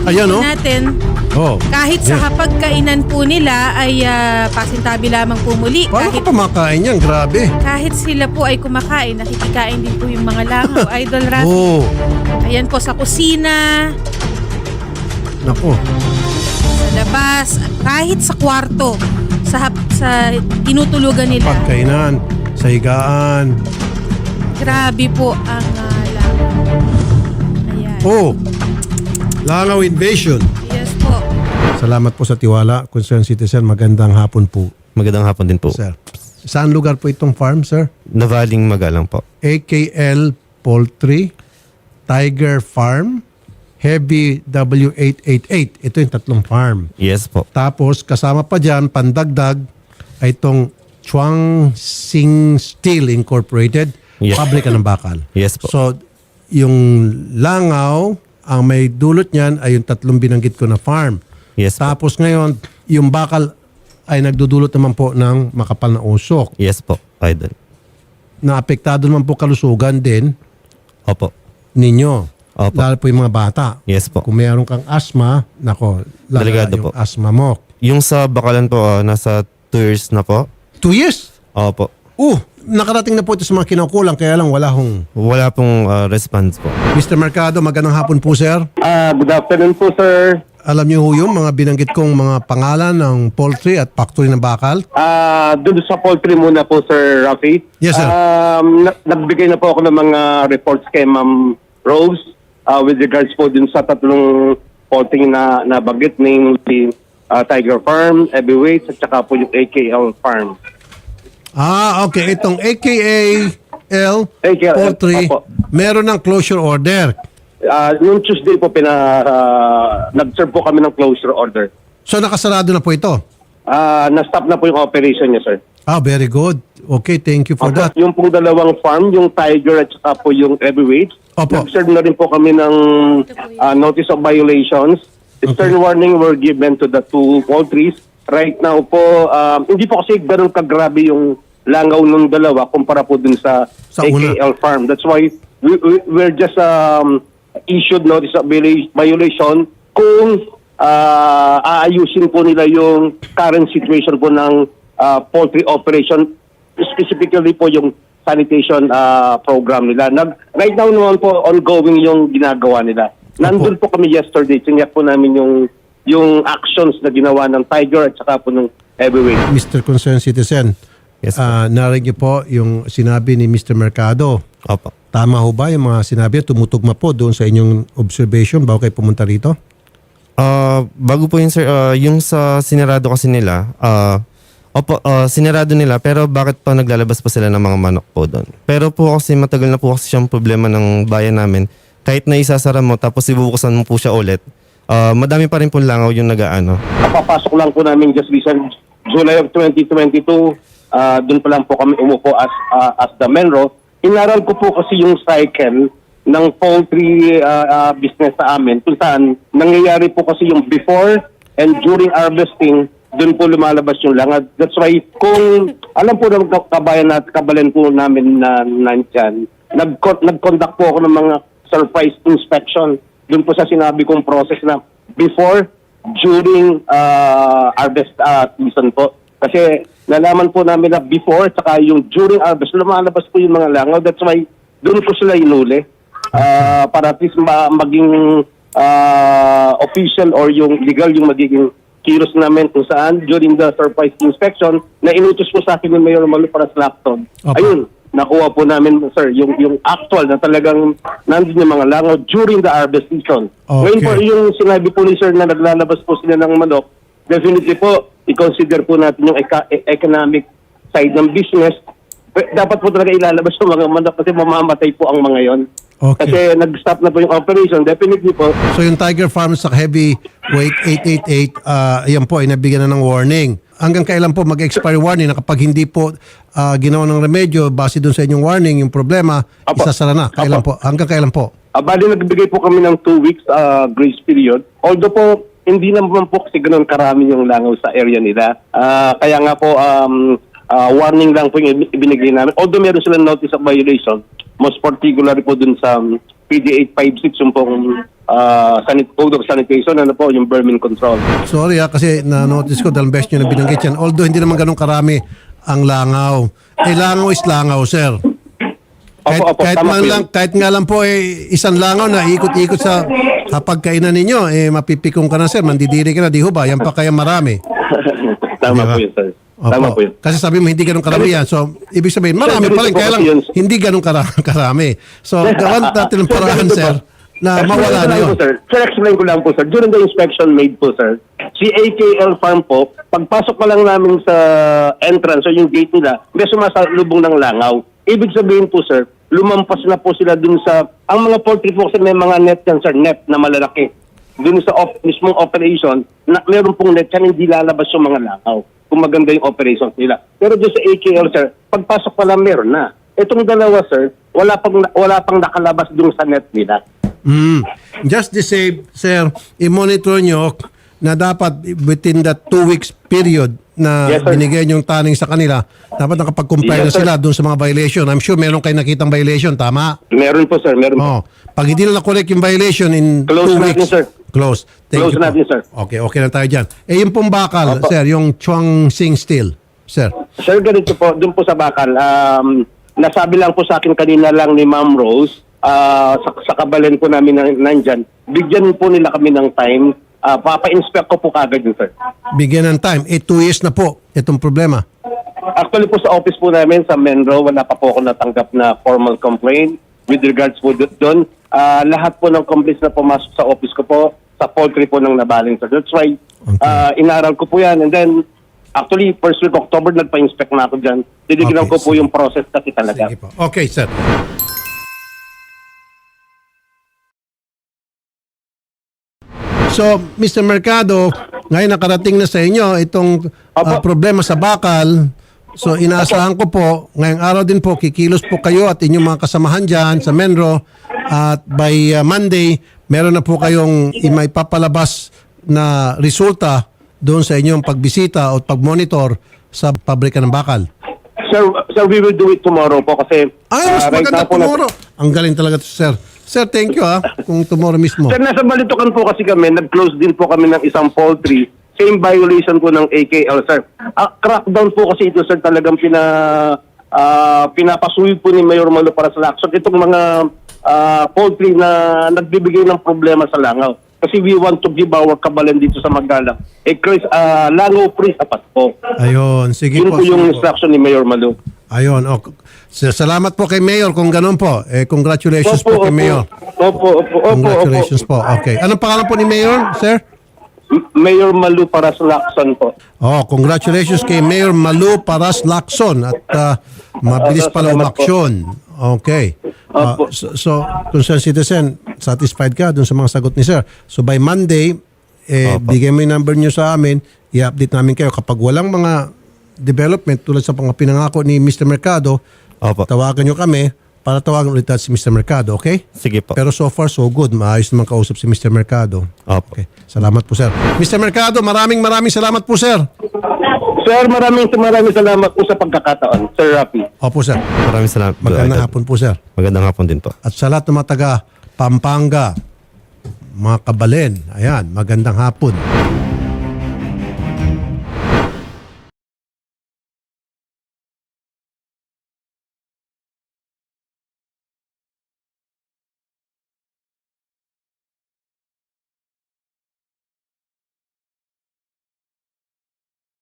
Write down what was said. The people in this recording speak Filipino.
Ayan, oh. natin, Oh. kahit sa hapagkainan po nila ay pasintabi lamang po muli. Paano ka pamakain yan? Grabe. Kahit sila po ay kumakain, nakikikain din po yung mga langaw. Idol Rafi. Oh. Ayan po sa kusina, Nako. sa labas, kahit sa kwarto, sa tinutulugan nila. Pagkainan, sa higaan. Grabe po ang langaw. Ayan. Oh. Langaw invasion. Yes po. Salamat po sa tiwala, concerned citizen. Magandang hapon po, Magandang hapon din po. sir. Saan lugar po itong farm, sir? Navaling Magalang po. AKL Poultry, Tiger Farm, Heavy W888. Ito yung tatlong farm. Yes po. Tapos kasama pa dyan, pandagdag, ay itong Chuang Sing Steel Incorporated, Yes. pabrika ng bakal. Yes po. So, yung langaw, ang may dulot niyan ay yung tatlong binanggit ko na farm. Yes po. Tapos ngayon, yung bakal ay nagdudulot naman po ng makapal na usok. Yes po, idol. Naapektado naman po kalusugan din Opo. ninyo. Opo. Lalo po yung mga bata. Yes po. Kung mayroon kang asthma, nako, lala Delikado yung po. asthma mo. Yung sa Bakalan po, nasa 2 years na po. 2 years? Opo. Nakarating na po ito sa mga kinukulang, kaya lang wala hong... Wala pong response po. Mr. Mercado, magandang hapon po, sir. Good afternoon po, sir. Alam niyo ho yung mga binanggit kong mga pangalan ng poultry at factory ng bakal? Doon sa poultry muna po, Sir Rafi. Yes, sir. Nagbigay na po ako ng mga reports kay Ma'am Rose with regards po dun sa tatlong poultry na nabanggit, namely Tiger Farm, Heavyweight, at saka po yung AKL Farm. Okay. Itong AKL AKL, Poultry, opo. meron ng closure order. Noong Tuesday po, nag-serve po kami ng closure order. So nakasarado na po ito? Na-stop na po yung operation niya, sir. Very good. Okay, thank you for that. Yung pong dalawang farm, yung Tiger at saka po yung Heavyweight, Opo. nag-serve na rin po kami ng notice of violations. Stern warning were given to the two poultries. Right now po, hindi po kasi ganun kagrabe yung langaw ng dalawa kumpara po dun sa una. AKL Farm. That's why we're just issued notice of violation kung aayusin po nila yung current situation po ng poultry operation, specifically po yung sanitation program nila. Right now naman po, ongoing yung ginagawa nila. Nandun po kami yesterday, siniyak po namin yung actions na ginawa ng Tiger at saka po ng Heavyweight. Mr. Concerned Citizen, Yes po. narinig niyo po yung sinabi ni Mr. Mercado. Opo. Tama ho ba yung mga sinabi? Tumutugma po doon sa inyong observation bago kayo pumunta rito? Bago po yun, sir, yung sa sinarado kasi nila, sinarado nila, pero bakit pa naglalabas pa sila ng mga manok po doon? Pero po kasi matagal na po kasi siyang problema ng bayan namin. Kahit na isasara mo, tapos ibubukasan mo po siya ulit, madami pa rin po langaw yung nag-aano. Kapapasok lang po namin just recent July of 2022, doon pa lang po kami umupo as the Menro. Inaral ko po kasi yung cycle ng poultry business sa amin kung saan nangyayari po kasi yung before and during harvesting, doon po lumalabas yung langad. That's why kung alam po ng kabayan po namin na nandyan, nag-conduct po ako ng mga surprise inspection. Doon po sa sinabi kong process na before, during harvest season po. Kasi nalaman po namin na before saka yung during harvest, lumalabas po yung mga langaw. That's why doon po sila inuli. Para at least maging official or yung legal yung magiging kilos namin kung saan during the surprise inspection na inutos po sa akin ng Mayor Malu para sa laptop. Ayun, nakuha po namin, sir, yung actual na talagang nandun yung mga langaw during the harvest season. Okay. Ngayon po, yung sinabi po ni sir na naglalabas po sila ng manok, definitely po, i-consider po natin yung economic side ng business. Dapat po talaga ilalabas yung mga manok kasi mamamatay po ang mga yon. Okay. Kasi nag-stop na po yung operation, definitely po. So yung Tiger Farm sa Heavyweight 888, ayan po ay nabigyan na ng warning. Hanggang kailan po mag-expire warning na kapag hindi po ginawa ng remedyo base doon sa inyong warning, yung problema, Apo. isasara na. Kailan po? Hanggang kailan po? Bali, nagbigay po kami ng 2 weeks grace period. Although po, hindi naman po kasi ganun karami yung langaw sa area nila. Kaya nga po, warning lang po yung ibinigay namin. Although meron silang notice of violation, most particularly po dun sa PD 856, yung pong Code of Sanitation, ano po, yung vermin control. Sorry kasi na-notice ko dahil best nyo na binanggit yan. Although hindi naman ganun karami ang langaw. Langaw is langaw, sir. Tama po yun. Kahit nga lang po isang langaw na ikot-ikot sa hapagkainan ninyo, mapipikong ka na, sir, mandidiri ka na, di ho ba? Yan pa kaya marami. Tama Diba? po yun, sir. Opo. Tama po yun. Kasi sabi mo hindi ganun karami yan. So, ibig sabihin, marami Sir, pa rin. ganito po Kaya lang, kasi yun. hindi ganun karami. So, gawan natin ng paraan, ganito po. sir, na mawala na yun. Sir, explain ko lang po, sir. During the inspection made po, sir, si AKL Farm po, pagpasok pa lang namin sa entrance o yung gate nila, may sumasalubong ng langaw. Ibig sabihin po, sir, lumampas na po sila dun sa, ang mga poultry po kasi may mga net yan, sir, net na malalaki. Dun sa mismong operation, na meron pong net yan, hindi lalabas yung mga langaw kung maganda yung operations nila. Pero dun sa AKL, sir, pagpasok pa lang meron na. Itong dalawa, sir, wala pang nakalabas dun sa net nila. Just the same, sir, i-monitor nyo na dapat within that 2 weeks period na Yes, sir. binigay yung taning sa kanila, dapat nakapag-comply na Yes, sir. sila doon sa mga violation. I'm sure meron kayo nakitang violation, tama? Meron po, sir, meron po. Oh, pag hindi na na-collect yung violation in 2 Close natin, weeks, sir. close. Thank Close you po. natin, sir. Okay na tayo dyan. Yung pong bakal, Opo. sir, yung Chuang Sing Steel, sir. Sir, ganito po, dun po sa bakal, nasabi lang po sa akin kanina lang ni Ma'am Rose, sa kabalen po namin nandyan, bigyan po nila kami ng time, papa-inspect ko po kagad yun, sir. Bigyan ng time. 2 years na po itong problema. Actually po sa office po namin, sa Menro, wala pa po ako natanggap na formal complaint with regards po doon. Lahat po ng complaints na pumasok sa office ko po, sa poultry po ng nabaling, sir. That's why, inaral ko po yan. And then, actually, first week October, nagpa-inspect na ako dyan. Tinignan Okay, ko po sige. yung process kasi talaga. Sige po. Okay, sir. So, Mr. Mercado, ngayon nakarating na sa inyo itong problema sa bakal. So, inaasahan ko po, ngayong araw din po, kikilos po kayo at inyong mga kasamahan dyan sa Menro. At by Monday, meron na po kayong maipapalabas na resulta doon sa inyong pagbisita o pagmonitor sa pabrika ng bakal. Sir, we will do it tomorrow po kasi... Mas right maganda now po tomorrow. Ang galing talaga to, sir. Sir, thank you kung tomorrow mismo. Sir, nasa Balitukan po kasi kami, nag-close din po kami ng isang poultry. Same violation po ng AKL, sir. Crackdown po kasi ito, sir, talagang pinapasuwi po ni Mayor Malo para sa Lacson. Itong mga poultry na nagbibigay ng problema sa langaw. Kasi we want to give our kabalan dito sa Magalang. Chris, langaw free sapat po. Ayun, sige Yun po. po yung sige po. instruction ni Mayor Malo. Ayun, salamat po kay Mayor kung ganun po. Congratulations po kay Mayor. Opo. Congratulations po. Okay. Anong pangalan po ni Mayor, sir? Mayor Malu para sa Lacson po. Congratulations kay Mayor Malu Paras Lacson at mabilis pala Salamat po. umaksyon. Okay. Opo. So, concerned citizen, satisfied ka dun sa mga sagot ni sir. So, by Monday, bigay mo yung number nyo sa amin, i-update namin kayo. Kapag walang mga development tulad sa mga pinangako ni Mr. Mercado, Opo. tawagan nyo kami para tawagan ulit natin si Mr. Mercado, okay? Sige po. Pero so far, so good. Maayos naman kausap si Mr. Mercado. Opo. Okay. Salamat po, sir. Mr. Mercado, maraming salamat po, sir. Sir, maraming salamat po sa pagkakataon, Sir Rafi. Opo, sir. Maraming salamat. Magandang hapon po, sir. Magandang hapon din po. At sa lahat ng mga taga Pampanga, mga kabalen, ayan, magandang hapon.